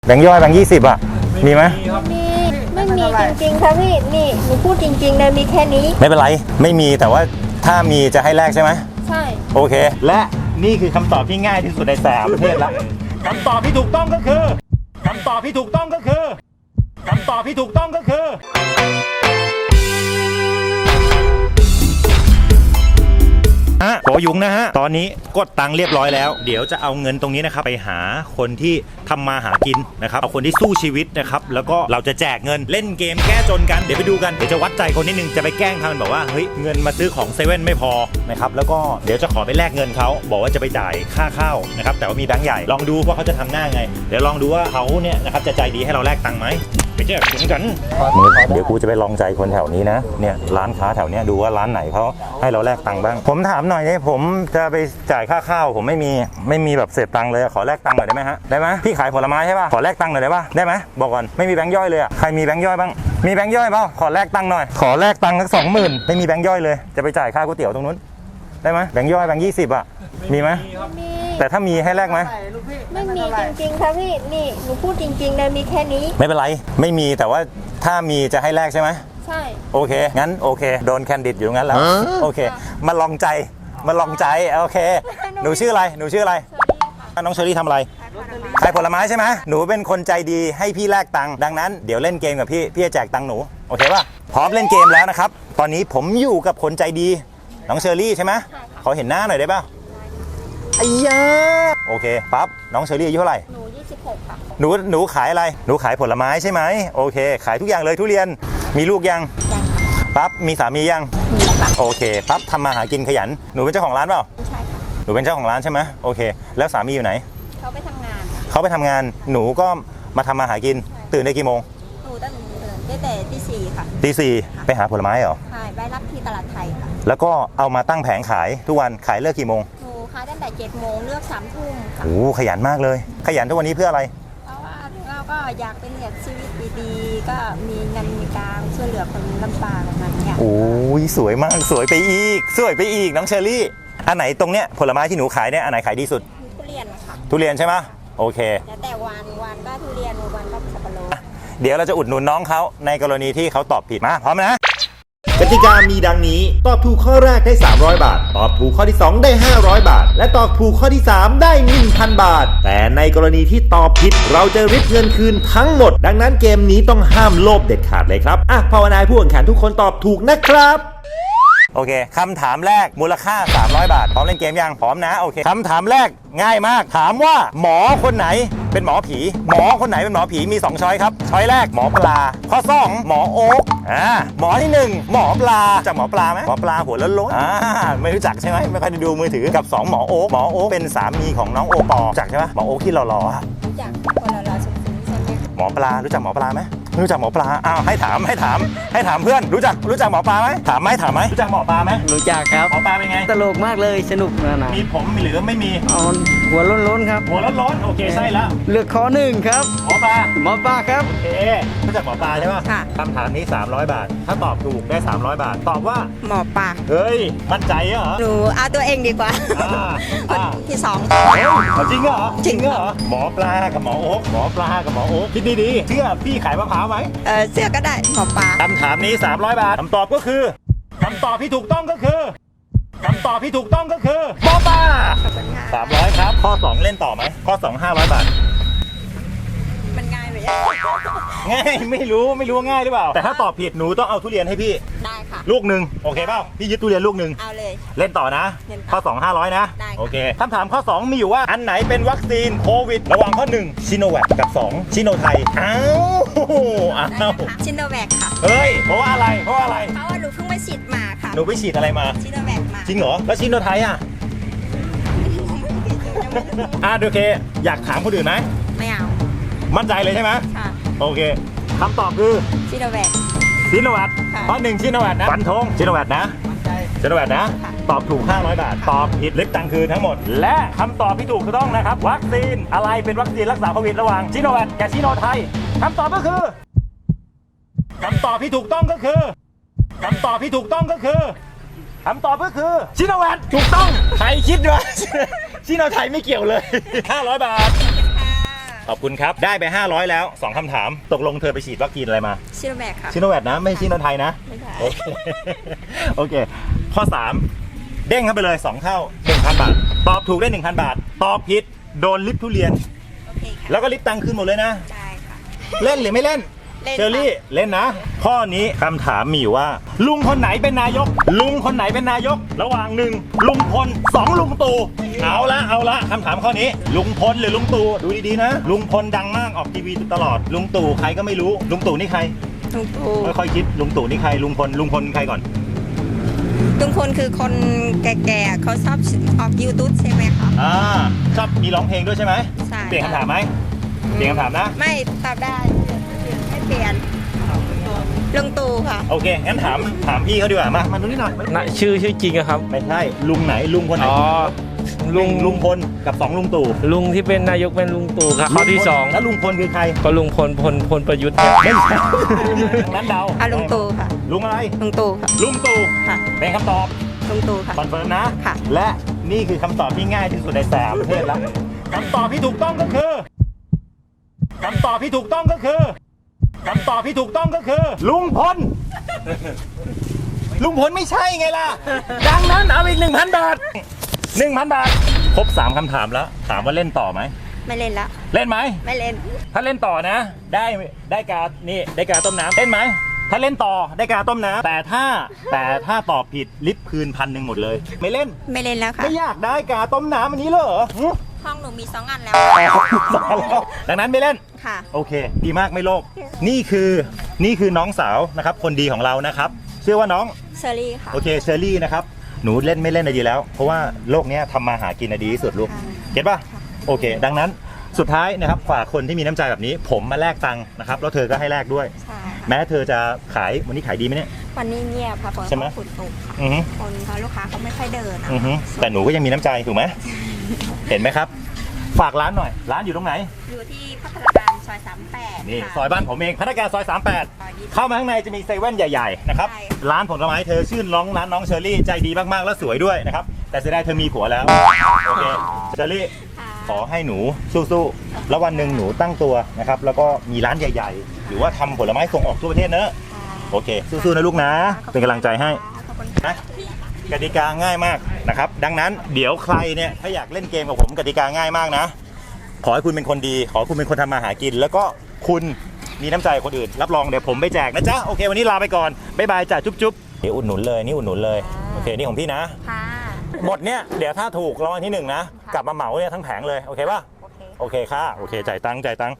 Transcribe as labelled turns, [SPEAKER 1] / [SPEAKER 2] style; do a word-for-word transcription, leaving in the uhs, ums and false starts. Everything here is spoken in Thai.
[SPEAKER 1] แบงค์ย่อยแบงค์ยี่สิบอ่ะมีไหม
[SPEAKER 2] มีไม่มีจริงๆค่ะพี่นี่หนูพูดจริงๆเลยมีแค่นี้
[SPEAKER 1] ไม่เป็นไรไม่มีแต่ว่าถ้ามีจะให้แลกใช่ไหม
[SPEAKER 2] ใช่
[SPEAKER 1] โอเคและนี่คือคำตอบที่ง่ายที่สุดในสามประเทศละคำตอบที่ถูกต้องก็คือคำตอบที่ถูกต้องก็คือคำตอบที่ถูกต้องก็คือฮะโหยุงนะฮะตอนนี้กดตังค์เรียบร้อยแล้วเดี๋ยวจะเอาเงินตรงนี้นะครับไปหาคนที่ทำมาหากินนะครับเอาคนที่สู้ชีวิตนะครับแล้วก็เราจะแจกเงินเล่นเกมแก้จนกันเดี๋ยวไปดูกันเดี๋ยวจะวัดใจคนนิดนึงจะไปแกล้งทำมันบอกว่าเฮ้ยเงินมาซื้อของเซเว่นไม่พอนะครับแล้วก็เดี๋ยวจะขอไปแลกเงินเขาบอกว่าจะไปจ่ายค่าข้าวนะครับแต่ว่ามีแบงค์ใหญ่ลองดูว่าเขาจะทำหน้าไงเดี๋ยวลองดูว่าเขาเนี่ยนะครับจะใจดีให้เราแลกตังค์ไหมไปแจกถึงกันเดี๋ยวกูจะไปลองใจคนแถวนี้นะเนี่ยร้านค้าแถวนี้ดูว่าร้านไหนเขาให้เราแลกตังค์บ้างผมถามหน่อยเนี่ยผมจะไปจ่ายค่าข้าวผมไม่มีไม่มีแบบเศษตังค์เลยขอแลกตังค์หน่อยได้ไหมฮะได้ไหมพี่ขายผลไม้ใช่ป่ะขอแลกตังค์หน่อยได้ป่ะได้ไหมบอกก่อนไม่มีแบงค์ย่อยเลยอ่ะใครมีแบงค์ย่อยบ้างมีแบงค์ย่อยเปล่าขอแลกตังค์หน่อยขอแลกตังค์สักสองหมื่นไม่มีแบงค์ย่อยเลยจะไปจ่ายค่าก๋วยเตี๋ยวตรงนู้นได้ไหมแบงค์ย่อยแบงค์ยี่สิบอ่ะมีไหม
[SPEAKER 2] มี
[SPEAKER 1] แต่ถ้ามีให้แลกไหม
[SPEAKER 2] ไม่มีจริงๆค่ะพี่นี่หนูพูดจริงๆเลยมีแค่นี้
[SPEAKER 1] ไม่เป็นไรไม่มีแต่ว่าถ้ามีจะให้แลกใช่ไหม
[SPEAKER 2] ใช่
[SPEAKER 1] โอเคงั้นโอเคโดนแคนดิดอยู่งั้นแล้วโอเคมาลองใจมาลองใจโอเคหนูชื่ออะไรหนูชื่ออะไรน้องเชอรี่ทำอะไรขายผลไม้ใช่ไหมหนูเป็นคนใจดีให้พี่แลกตังค์ดังนั้นเดี๋ยวเล่นเกมกับพี่พี่จะแจกตังค์หนูโอเคป่ะพร้อมเล่นเกมแล้วนะครับตอนนี้ผมอยู่กับคนใจดีน้องเชอรี่ใช่ไหมขอเห็นหน้าหน่อยได้ป่ะไอ้ยาโอเคปั๊บน้องเชอรี่อายุเท่าไหร่
[SPEAKER 2] หนูยี่สิบหกค่ะ
[SPEAKER 1] หนูหนูขายอะไรหนูขายผลไม้ใช่ไหมโอเคขายทุกอย่างเลยทุเรียนมีลูกยัง
[SPEAKER 2] ยัง
[SPEAKER 1] ปั๊บมีสามียัง
[SPEAKER 2] มีแล้วค่ะ
[SPEAKER 1] โอเคปั๊บทำมาหากินขยันหนูเป็นเจ้าของร้านเปล่า
[SPEAKER 2] ใช่ค่ะ
[SPEAKER 1] หนูเป็นเจ้าของร้านใช่ไหมโอเคแล้วสามีอยู่ไหน
[SPEAKER 2] เขาไปทำงาน
[SPEAKER 1] เขาไปทำงานหนูก็มาทำมาหากินตื่นได้กี่โมง
[SPEAKER 2] หนูตั้งแต่แต่ตีสี่ค่ะ
[SPEAKER 1] ตีสี่ไปหาผลไม้เหรอ
[SPEAKER 2] ใช่ไปรับที่ตลาดไทยค่ะ
[SPEAKER 1] แล้วก็เอามาตั้งแผงขายทุกวันขายเลิกกี่โมง
[SPEAKER 2] หนูขายตั้งแต่เจ็ดโมงเลือกสามทุ่มค่ะ
[SPEAKER 1] โอ้ขยันมากเลยขยันทุกวันนี้เพื่ออะไร
[SPEAKER 2] เพราะว่าเราก็อยากเป็นแบบชีวิตดีๆก็มีเงินมีการช่วยเหลือคนลำบากแบบนั้นเนี่ย
[SPEAKER 1] โอ้ยสวยมากสวยไปอีกสวยไปอีกน้องเชอรี่อันไหนตรงเนี้ยผลไม้ที่หนูขายเนี่ยอันไหนขายดีสุด
[SPEAKER 2] ทุเรียนค่ะ
[SPEAKER 1] ทุเรียนใช่ไหมโอเค
[SPEAKER 2] แล้วแต่วันวันก็ทุเรียนวันก็สับปะรด
[SPEAKER 1] เดี๋ยวเราจะอุดหนุนน้องเขาในกรณีที่เขาตอบผิดมาพร้อมนะกติกามีดังนี้ตอบถูกข้อแรกได้สามร้อยบาทตอบถูกข้อที่สองได้ห้าร้อยบาทและตอบถูกข้อที่สามได้ หนึ่งพัน บาทแต่ในกรณีที่ตอบผิดเราจะริบเงินคืนทั้งหมดดังนั้นเกมนี้ต้องห้ามโลภเด็ดขาดเลยครับอ่ะภาวนาผู้แข่งขันทุกคนตอบถูกนะครับโอเคคำถามแรกมูลค่าสามร้อยบาทพร้อมเล่นเกมยังพร้อมนะโอเคคำถามแรกง่ายมากถามว่าหมอคนไหนเป็นหมอผีหมอคนไหนเป็นหมอผีมีสองช้อยครับช้อยแรกหมอปลาข้อสองหมอโอ๊กอ่าหมอที่หนึ่งหมอปลาจากหมอปลาไหมหมอปลาหัวล้นล้นอ่าไม่รู้จักใช่ไหมไม่ค่อยได้ดูมือถือกับสองหมอโอ๊กหมอโอ๊กเป็นสามีของน้องโอปอรู้จักใช่ไหมหมอโอ๊กที่หล่อๆ
[SPEAKER 2] รู้จักคนละเราสุดๆใช่ไหม
[SPEAKER 1] หมอปลารู้จักหมอปลาไหมรู้จักหมอปลาอ้าวให้ถามให้ถามให้ถามเพื่อนรู้จักรู้จักหมอปลาไหมถามไหมถามไหมรู้จักหมอปลาไหม
[SPEAKER 3] รู้จักครับ
[SPEAKER 1] หมอปลาเป็นไง
[SPEAKER 3] ตลกมากเลยสนุกนะนะ
[SPEAKER 1] มีผมหรือไม่มี
[SPEAKER 3] อ๋อหัวล้นๆครับ
[SPEAKER 1] หัวร้อนๆโอเคใช่แล้ว
[SPEAKER 3] เลือกข้อหนึ่งครับ
[SPEAKER 1] หมอปลา
[SPEAKER 3] หมอปลาครับ
[SPEAKER 1] โอเครู้จักหมอปลาใช่ป่ะ
[SPEAKER 2] ค่ะ
[SPEAKER 1] คำถามนี้สามร้อยบาทถ้าตอบถูกได้สามร้อยบาทตอบว่า
[SPEAKER 2] หมอปลา
[SPEAKER 1] เฮ้ยมั่นใจเหรอ
[SPEAKER 2] หนูเอาตัวเองดีกว่าคนที่สอง
[SPEAKER 1] จริงเหรอ
[SPEAKER 2] จริง
[SPEAKER 1] เหรอหมอปลากับหมอโอ๊กหมอปลากับหมอโอ๊กคิดดีๆเชื่อพี่ขายมะพร้าวไหม
[SPEAKER 2] เออเสื้อก็ได้หมอปลา
[SPEAKER 1] คำถามนี้สามร้อยบาทคำตอบก็คือคำตอบที่ถูกต้องก็คือคำตอบที่ถูกต้องก็คือหมอปลาสามร้อยครับข้อสองเล่นต่อไหมข้อสองห้าร้อยบาท
[SPEAKER 2] มันง่ายไหม
[SPEAKER 1] ง่ายไม่รู้ไม่รู้ง่ายหรือเปล่าแต่ถ้าตอบผิดหนูต้องเอาทุเรียนให้พี่
[SPEAKER 2] ได้ค่ะ
[SPEAKER 1] ลูกหนึ่งโอเคเปล่าพี่ยึดทุเรียนลูกหนึ่ง
[SPEAKER 2] เอาเลย
[SPEAKER 1] เล่นต่อนะข้อสอง ห้าร้อยนะโอเคคำถามข้อสองมีอยู่ว่าอันไหนเป็นวัคซีนโควิดระหว่างข้อหนึ่งชิโนแวคกับสองชิโนไทยอ้าวอ้าว
[SPEAKER 2] ชิโนแวคค่ะ
[SPEAKER 1] เฮ้ยเพราะว่าอะไรเพราะว่าอะไร
[SPEAKER 2] เพราะว่าหนูเพิ่งไปฉีดมาค่ะ
[SPEAKER 1] หนูไปฉีดอะไรมา
[SPEAKER 2] ชิโนแวคมา
[SPEAKER 1] จริงเหรอแล้วชิโนไทยอ่ะอ่ะโอเคอยากถามคนอื่นไหม
[SPEAKER 2] ไม่เอา
[SPEAKER 1] มั่นใจเลยใช่ไหม
[SPEAKER 2] ค่ะ
[SPEAKER 1] โอเคคำตอบคือ
[SPEAKER 2] ชิโนแวค
[SPEAKER 1] ชิโนแวคข้อหนึ่งชิโนแวคนะฟันธงชิโนแวคนะชิโนแวคนะตอบถูกห้าร้อยบาทตอบผิดลิฟต์ตังคืนทั้งหมดและคำตอบที่ถูกต้องนะครับวัคซีนอะไรเป็นวัคซีนรักษาโควิดระหว่างชิโนแวคกับชิโนไทยคำตอบก็คือคำตอบที่ถูกต้องก็คือคำตอบที่ถูกต้องก็คือคำตอบก็คือชิโนแวคถูกต้องใครคิดว่าชิโนไทยไม่เกี่ยวเลยห้าร้อยบาทขอบคุณครับได้ไปห้าร้อยแล้วสองคำถามตกลงเธอไปฉีดวัคซีนอะไรมา
[SPEAKER 2] ชิโนแบกค่ะ
[SPEAKER 1] ชิโนแวคนะไม่ใช่ชิโนไทยนะ
[SPEAKER 2] ไม่ใช่
[SPEAKER 1] โอเค โอเค ข้อ สาม เด้งเข้าไปเลย สอง เท่า หนึ่งพัน บาท ตอบถูกได้ หนึ่งพัน บาท ตอบผิดโดนลิฟต์ทุเรียน
[SPEAKER 2] โอเคค่ะ
[SPEAKER 1] แล้วก็ลิฟต์ตังค์ขึ้นหมดเลยนะ
[SPEAKER 2] ได้ค่ะ
[SPEAKER 1] เล่นหรือไม่เล่น
[SPEAKER 2] เล่น
[SPEAKER 1] เชอรี่เล่นนะ ข้อนี้คำถามมีอยู่ว่า ลุงคนไหนเป็นนายก ลุงคนไหนเป็นนายก ระหว่างหนึ่งลุงพลสองลุงตู่เอาละเอาละคำถามข้อนี้ ลุงพลหรือลุงตู่ดูดีๆนะ ลุงพลดังมากออกทีวีตลอด ลุงตู่ใครก็ไม่รู้ ลุงตู่นี่ใคร
[SPEAKER 2] ลุงตู่
[SPEAKER 1] ค่อยๆคิดลุงตู่นี่ใครลุงพลลุงพลใครก่อน
[SPEAKER 2] ลุงพลคือคนแก่ๆเขาชอบออกยูทูบใช่ไหมคะ
[SPEAKER 1] อ่าชอบมีร้องเพลงด้วยใช่ไหม
[SPEAKER 2] ใช่
[SPEAKER 1] เปลี่ยนคำถามไหมเปลี่ยนคำถามนะ
[SPEAKER 2] ไม่ตอบได้ไม่เปลี่ยนลุงตู่ค่ะ
[SPEAKER 1] โอเคงั้นถามถามพี่เขาดีกว่ามามาดูนี่หน่อย
[SPEAKER 3] นะชื่อชื่อจริงอะครับ
[SPEAKER 1] ไม่ใช่ลุงไหนลุงคนไหน
[SPEAKER 3] อ๋อ
[SPEAKER 1] ลุ
[SPEAKER 3] ลุ
[SPEAKER 1] ง
[SPEAKER 3] ง
[SPEAKER 1] ลุงพลกับสองลุงตู่
[SPEAKER 3] ลุงที่เป็นนายกเป็นลุงตู่ครับข้อที่สอง
[SPEAKER 1] แล้วลุงพลคือใคร
[SPEAKER 3] ก็ลุงพลพลพลประยุทธ์ครับ
[SPEAKER 1] ไม่ใช่งั้นเดา
[SPEAKER 2] อ่ะลุงตู่ค่ะ
[SPEAKER 1] ลุงอะไร
[SPEAKER 2] ลุงตู่ค่ะ
[SPEAKER 1] ลุงตู่
[SPEAKER 2] ค่ะ
[SPEAKER 1] เป็นคำตอบ
[SPEAKER 2] ลุงตู่ค่ะ
[SPEAKER 1] คอนเฟิร์มนะ
[SPEAKER 2] ค่ะ
[SPEAKER 1] และนี่คือคำตอบที่ง่ายที่สุดในสามประเทศแล้วคำตอบที่ถูกต้องก็คือคำตอบที่ถูกต้องก็คือคำตอบที่ถูกต้องก็คือ ลุงพล ลุงพลไม่ใช่ไงล่ะ ดังนั้นเอาอีกหนึ่งพันบาทหนึ่งพันบาท ครบสามคำถามแล้ว ถามว่าเล่นต่อไหม
[SPEAKER 2] ไม่เล่นละ
[SPEAKER 1] เล่นไหม
[SPEAKER 2] ไม่เล่น
[SPEAKER 1] ถ้าเล่นต่อนะ ได้ได้กา นี่ได้กาต้มน้ำเล่นไหม ถ้าเล่นต่อได้กาต้มน้ำแต่ถ้าแต่ถ้าตอบผิดลิฟต์คืนพันหนึ่งหมดเลย ไม่เล่น
[SPEAKER 2] ไม่เล่นแล้วค่ะ
[SPEAKER 1] ไม่อยากได้กาต้มน้ำอันนี้เหรอหึ
[SPEAKER 2] ห้องหนูมีสองอันแล้ว
[SPEAKER 1] ดังนั้นไม่เล่น
[SPEAKER 2] ค่ะ
[SPEAKER 1] โอเค ดีมากไม่โลภนี่คือนี่คือน้องสาวนะครับ คนดีของเรานะครับชื่อว่าน้อง
[SPEAKER 2] เชอรี่ค่ะ
[SPEAKER 1] โอเคเชอรี่นะครับ หนูเล่นไม่เล่นอะดีแล้ว เพราะว่าโลกเนี้ยทำมาหากินอะดีที่สุดลูก
[SPEAKER 2] ค่ะ
[SPEAKER 1] เก็ตป่ะ โอเค ดังนั้นสุดท้ายนะครับฝากคนที่มีน้ำใจแบบนี้ ผมมาแลกตังค์นะครับ แล้วเธอก็ให้แลกด้วย
[SPEAKER 2] ใช่
[SPEAKER 1] แม้เธอจะขายวันนี้ขายดีไหมเนี่ย
[SPEAKER 2] วันนี้เงียบค่ะฝน
[SPEAKER 1] ใช่ไหม
[SPEAKER 2] เขาขุดตกค่ะ
[SPEAKER 1] อือฮึ
[SPEAKER 2] คนเขาลูกค้าเขาไม่ค่อยเดินนะ
[SPEAKER 1] อือฮึแต่หนูก็ยังมีน้ำใจถูกไหม เห็นไหมครับ ฝากร้านหน่อย ร้านอยู่ตรงไหน
[SPEAKER 2] อยู่ที่พัฒนาการซอยสามแปด
[SPEAKER 1] นี่
[SPEAKER 2] ค่ะ
[SPEAKER 1] ซอยบ้านผมเองพนักงานซอยสามแปด
[SPEAKER 2] ซอยยี่สิบ
[SPEAKER 1] เข้ามาข้างในจะมีเซเว่นใหญ่ๆนะครับ
[SPEAKER 2] ใช่
[SPEAKER 1] ร้านผลไม้เธอชื่อน้องร้านน้องเชอรี่ใจดีมากๆแล้วสวยด้วยนะครับแต่เสียดายเธอมีผัวแล้วโอเคเชอรี่
[SPEAKER 2] ค่ะ
[SPEAKER 1] ขอให้หนูสู้ๆแล้ววันหนึ่งหนูตั้งตัวนะครับแล้วก็มีร้านใหญ่ๆ หรือว่าทำผลไม้ส่งออกทั่วประเทศเนอะโอเคสู้ๆนะลูกนะเป็นกำลังใจให้
[SPEAKER 2] ขอบคุณ
[SPEAKER 1] นะ
[SPEAKER 2] ค่ะ
[SPEAKER 1] กติกาง่ายมากนะครับดังนั้นเดี๋ยวใครเนี่ยถ้าอยากเล่นเกมกับผมกติกาง่ายมากนะขอให้คุณเป็นคนดีขอให้คุณเป็นคนทำมาหากิน แล้วก็คุณมีน้ำใจกับคนอื่นรับรองเดี๋ยวผมไปแจกนะจ๊ะโอเควันนี้ลาไปก่อนบ๊ายบายจ้ะจุ๊บๆเดี๋ยวอุดหนุนเลยนี่อุดหนุนเลยโอเคนี่ของพี่นะ
[SPEAKER 2] ค่ะ
[SPEAKER 1] หมดเนี่ยเดี๋ยวถ้าถูกรางวัลที่หนึ่งนะกลับมาเหมาเนี่ยทั้งแผงเลยโอเคป่ะ
[SPEAKER 2] โอเค
[SPEAKER 1] โอเคค่ะโอเคจ่ายตังค์จ่ายตังค์